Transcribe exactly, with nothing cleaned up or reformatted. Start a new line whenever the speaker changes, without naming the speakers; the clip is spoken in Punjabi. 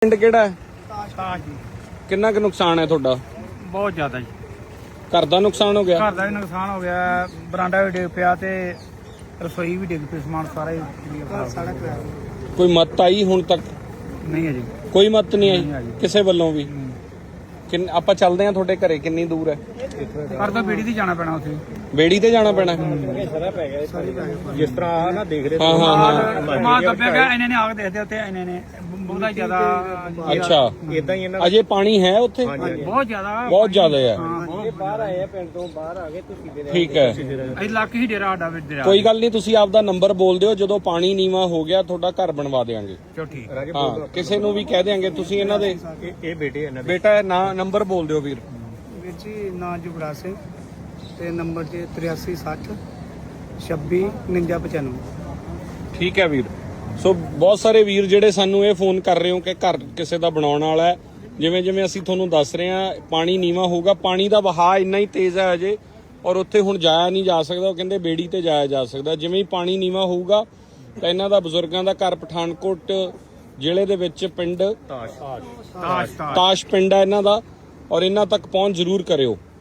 ਪਿੰਡ ਕਿਹੜਾ ਹੈ?
ਤਾਜ ਜੀ।
ਕਿੰਨਾ ਕੁ ਨੁਕਸਾਨ ਹੈ ਤੁਹਾਡਾ?
ਬਹੁਤ ਜ਼ਿਆਦਾ ਜੀ।
ਘਰ ਦਾ ਨੁਕਸਾਨ ਹੋ ਗਿਆ?
ਘਰ ਦਾ ਵੀ ਨੁਕਸਾਨ ਹੋ ਗਿਆ, ਬਰਾਂਡਾ ਵੀ ਡਿੱਗ ਪਿਆ ਤੇ ਰਸੋਈ ਵੀ ਡਿੱਗ ਪਈ, ਸਮਾਨ ਸਾਰਾ ਹੀ ਸਾਰਾ
ਕੋਈ ਮਦਦ ਆਈ ਹੁਣ ਤੱਕ?
ਨਹੀਂ ਹੈ ਜੀ,
ਕੋਈ ਮਦਦ ਨਹੀਂ
ਨਹੀਂ
ਆਈ
ਆਈ।
ਕਿਸੇ ਵੱਲੋਂ ਵੀ? ਕਿੰਨ ਆਪਾਂ ਚੱਲਦੇ ਆ ਤੁਹਾਡੇ ਘਰੇ, ਕਿੰਨੀ ਦੂਰ ਹੈ?
ਘਰ ਤੋਂ ਬੇੜੀ ਦੀ ਜਾਣਾ ਪੈਣਾ ਉੱਥੇ।
ਬੇੜੀ ਤੇ ਜਾਣਾ ਪੈਣਾ?
ਜਿਸ ਤਰ੍ਹਾਂ ਆ ਨਾ ਦੇਖ ਰਹੇ
ਹਾਂ ਹਾਂ ਹਾਂ
ਮਾਲ ਦੱਬਿਆ ਗਿਆ, ਇਹਨੇ ਨੇ ਆਗ ਦੇਖਦੇ ਉੱਥੇ, ਇਹਨੇ ਨੇ ਬਹੁਤਾ ਹੀ ਜ਼ਿਆਦਾ।
ਅੱਛਾ,
ਇਦਾਂ ਹੀ ਇਹਨਾਂ
ਅਜੇ ਪਾਣੀ ਹੈ ਉੱਥੇ?
ਬਹੁਤ ਜ਼ਿਆਦਾ
ਬਹੁਤ ਜ਼ਿਆਦਾ ਹੈ।
ਹਾਂ, ਬਹੁਤ।
ਬਾਹਰ ਆਏ ਆ, ਪਿੰਡ ਤੋਂ ਬਾਹਰ ਆ ਗਏ ਤੁਸੀਂ ਦੇ
ਠੀਕ ਹੈ,
ਇਹ ਲੱਕ ਹੀ ਡੇਰਾ ਸਾਡਾ ਵੀ ਡੇਰਾ।
ਕੋਈ ਗੱਲ ਨਹੀਂ, ਤੁਸੀਂ ਆਪਦਾ ਨੰਬਰ ਬੋਲ ਦਿਓ, ਜਦੋਂ ਪਾਣੀ ਨੀਵਾ ਹੋ ਗਿਆ ਤੁਹਾਡਾ ਘਰ ਬਣਵਾ ਦੇਵਾਂਗੇ।
ਚਲੋ ਠੀਕ।
ਹਾਂ, ਕਿਸੇ ਨੂੰ ਵੀ ਕਹਿ ਦੇਾਂਗੇ। ਤੁਸੀਂ ਇਹਨਾਂ ਦੇ
ਇਹ ਇਹ ਬੇਟੇ ਇਹਨਾਂ ਦੇ
ਬੇਟਾ ਹੈ ਨਾ? ਨੰਬਰ ਬੋਲ ਦਿਓ ਵੀਰ।
ਵੀਰ ਜੀ ਨਾਂ ਜੁਗਰਾਜ ਸਿੰਘ ਤੇ ਨੰਬਰ ਜੀ ਤਰਿਆਸੀ ਸੱਠ ਛੱਬੀ ਉਣੰਜਾ ਪਚਾਨਵੇਂ।
ਠੀਕ ਹੈ ਵੀਰ। ਸੋ ਬਹੁਤ ਸਾਰੇ ਵੀਰ ਜਿਹੜੇ ਸਾਨੂੰ ਇਹ ਫੋਨ ਕਰ ਰਹੇ ਹੋ ਕਿ ਘਰ ਕਿਸੇ ਦਾ ਬਣਾਉਣ ਵਾਲਾ ਹੈ। ਜਿਵੇਂ ਜਿਵੇਂ ਅਸੀਂ ਤੁਹਾਨੂੰ ਦੱਸ ਰਹੇ ਹਾਂ, ਪਾਣੀ ਨੀਵਾਂ ਹੋਊਗਾ, ਪਾਣੀ ਦਾ ਵਹਾਅ ਇੰਨਾ ਹੀ ਤੇਜ਼ ਹੈ ਅਜੇ, ਔਰ ਉੱਥੇ ਹੁਣ ਜਾਇਆ ਨਹੀਂ ਜਾ ਸਕਦਾ। ਉਹ ਕਹਿੰਦੇ ਬੇੜੀ ਤੇ ਜਾਇਆ ਜਾ ਸਕਦਾ। ਜਿਵੇਂ ਹੀ ਪਾਣੀ ਨੀਵਾਂ ਹੋਊਗਾ ਤਾਂ ਇਹਨਾਂ ਦਾ ਬਜ਼ੁਰਗਾਂ ਦਾ ਘਰ ਪਠਾਨਕੋਟ ਜ਼ਿਲ੍ਹੇ ਦੇ ਵਿੱਚ ਪਿੰਡ
ਤਾਜ ਤਾਜ
ਤਾਸ਼ ਪਿੰਡ ਹੈ ਇਹਨਾਂ ਦਾ, ਔਰ ਇਹਨਾਂ ਤੱਕ ਪਹੁੰਚ ਜ਼ਰੂਰ ਕਰਿਓ।